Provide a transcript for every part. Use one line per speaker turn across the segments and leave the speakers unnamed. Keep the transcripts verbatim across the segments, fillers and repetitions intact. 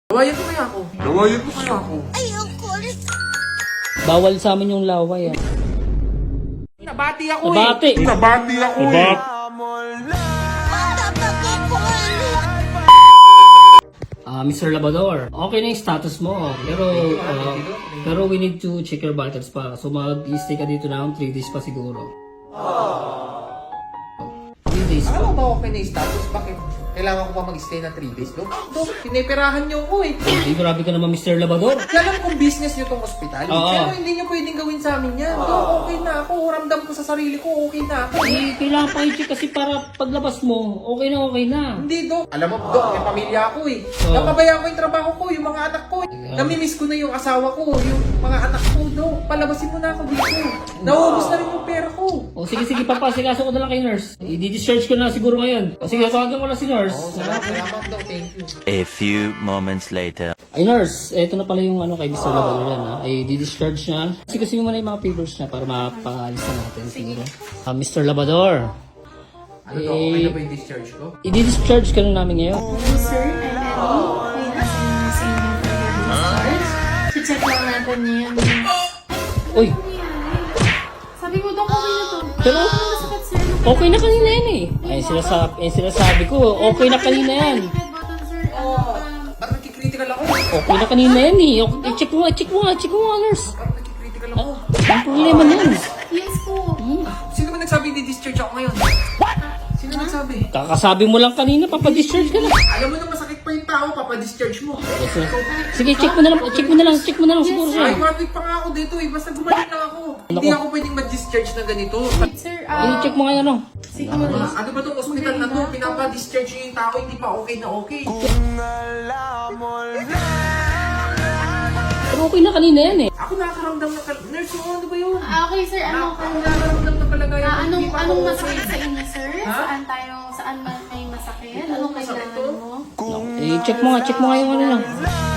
Lawayan ko kaya ako. Lawayan ko kaya ako.
Ay, ang kulit.
Bawal sa amin yung laway ah.
Nabati ako
Nabati.
eh. Nabati ako eh.
Bata pa ka ko.
Ah, Mister Labrador, okay na yung status mo. Pero, ah, pero we need to check your vitals pa. So mag-stay ka dito na three days pa siguro. three days
Alam mo
pa.
ba okay na yung status? Bakit? Kailangan ko pa mag-stay na three days, Dok? Dok, pinipirahan niyo ako eh.
Hindi, grabe ka naman Mister Labrador.
Alam kong business niyo tong ospital.
Oo.
Pero hindi niyo pwedeng gawin sa amin yan. Dok, okay na ako. Ramdam ko sa sarili ko, okay na ako.
Eh, kailangan pa i-check kasi para paglabas mo, okay na okay na.
Hindi, Dok. Alam mo, Dok, may pamilya ako eh.
Oo.
Napabayaan ko yung trabaho ko, yung mga anak ko. Namimiss ko na yung asawa ko, yung mga anak ko, Dok. Palabasin mo na ako dito. Nauubos na rin yung pera ko.
O sige, sige, papasikaso ko na lang kay nurse. I-discharge ko na siguro ngayon. O sige, tawagan ko na si nurse.
Oh, salamat, salamat, Dok. Thank you.
A few moments later.
Ay nurse, eto na pala yung ano kay Mister Labrador yan ha. Ay di-discharge niya. Kasi kasi mo na yung mga papers niya para mapaalis na natin siguro. Ah, Mister Labrador.
Ano, Dok? Okay na ba yung discharge ko?
I-discharge ka lang namin ngayon.
Sir, I'm ready. We have been sending for your discharge. Check lang natin yan.
Uy,
Sabi mo, Dok, okay na to.
Pero,
Masakit, sir.
okay na kanina yan eh. Ay sinasabi, ay sinasabi ko, okay na kanina yan.
Red button, sir.
Oo. Ba't nagkikritical ako?
Okay na kanina yan eh. Okay, eh, check mo nga, check mo nga, check mo nga nurse.
Ba't nagkikritical ako?
Ang problema niyan.
Yes po.
Sino ba nagsabi di-discharge ako ngayon? Sino nagsabi?
Kakasabi mo lang kanina, papadischarge ka na.
Alam mo na masakit pa yung tao, papadischarge mo.
Sige, check mo na lang, check mo na lang, check mo na lang siguro
Ay,
siya.
one week pa nga ako dito eh. Basta gumaling lang ako. Hindi ako pwedeng ma-discharge na ganito.
Sir,
I-check
ah,
mo nga yan oh.
siguro.
Ah, ano ba itong hospital na to? Pinapa-discharge yung tao, hindi pa okay na okay.
Pero okay na kanina yan eh.
Ako nakakaramdam ng kal- nurse, oh, ano ba yun?
Ah, okay, sir. Ano?
Ako nakakaramdam ng kalagayan.
Ah, anong,
Hindi pa
anong
ako
masakit
okay.
sa inyo, sir?
Ha?
Saan tayo, saan ba may masakit? Anong
masakit
kailangan
to?
mo?
Eh, check mo nga, check mo nga yung ano lang.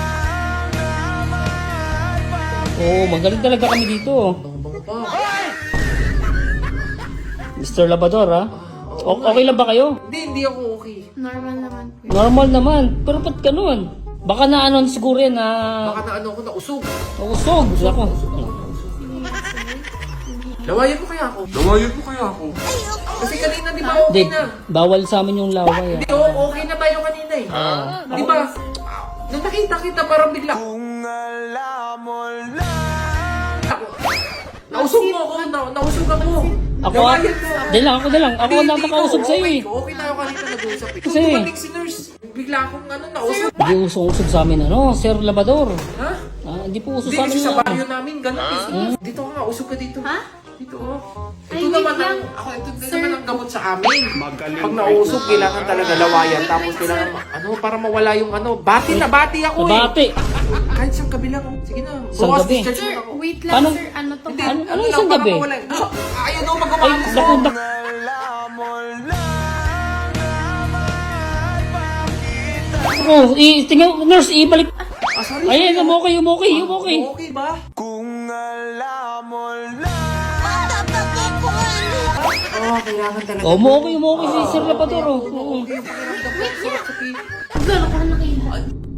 Oo, oh, magaling talaga kami dito.
Bango pa.
Mister Labrador ha? O- okay lang ba kayo?
Hindi, hindi ako okay.
Normal naman po.
Normal naman. Pero ba't ganun? Baka na ano siguro yan na
Baka na ano ako, nausog.
usog. Ako.
Lawayan ko kaya ako. Lawayan ko kaya ako. Kasi kanina di ba okay
Hindi,
na?
bawal sa amin yung laway
Hindi,
ah.
oh, okay na tayo kanina eh. Di ba? Nung nakita kita parang bigla. Ako. Nausog mo ako, na, nausog ako.
Ako ah.
Lawayan mo.
Di lang, ako na lang. Ako
Hindi,
ang
hindi
nakakausap
ko.
sa'yo
Okay
eh.
ko. Okay tayo kanina nag-uusap eh.
Kasi-
Kung dumating si nurse, bigla akong ano, nausog.
Hindi usong-usog sa amin ano, Sir Labrador.
Ha?
Ah, hindi po uso
Hindi,
sa amin
kasi sa
yun.
baryo namin, ganun eh. Dito ka nga, usog ka dito.
Ha?
Dito oh.
Ay,
Ito
wait
naman ang,
lang.
ako, ito din
Sir.
naman ang gamot sa amin. Pag nausog, kailangan talaga lawayan. Tapos kailangan, ano, para mawala yung ano. Bati na, bati ako eh.
Nabati.
Kahit siyang gabi lang, oh. Sige na.
Isang
Bukas,
gabi?
discharge
Sir,
mo ako.
wait lang,
Paano-
sir. Ano to?
Hindi,
Ano- ano
lang,
isang
para
gabi?
mawala. Ah, Ayaw daw
Ay,
magawa
naku, naku. Oh, i tingnan, nurse, ibalik.
Ah, sorry.
Ayan, um, okay, um, okay, um, okay.
Okay ba?
Bata pa ka ko.
Oo, kailangan talaga.
Oh, um, okay, um, okay si Sir Labrador. Oh. Oo.
Okay, yung pakiramdam ko. Sarap sa pi-
Naglaro ka na kayo.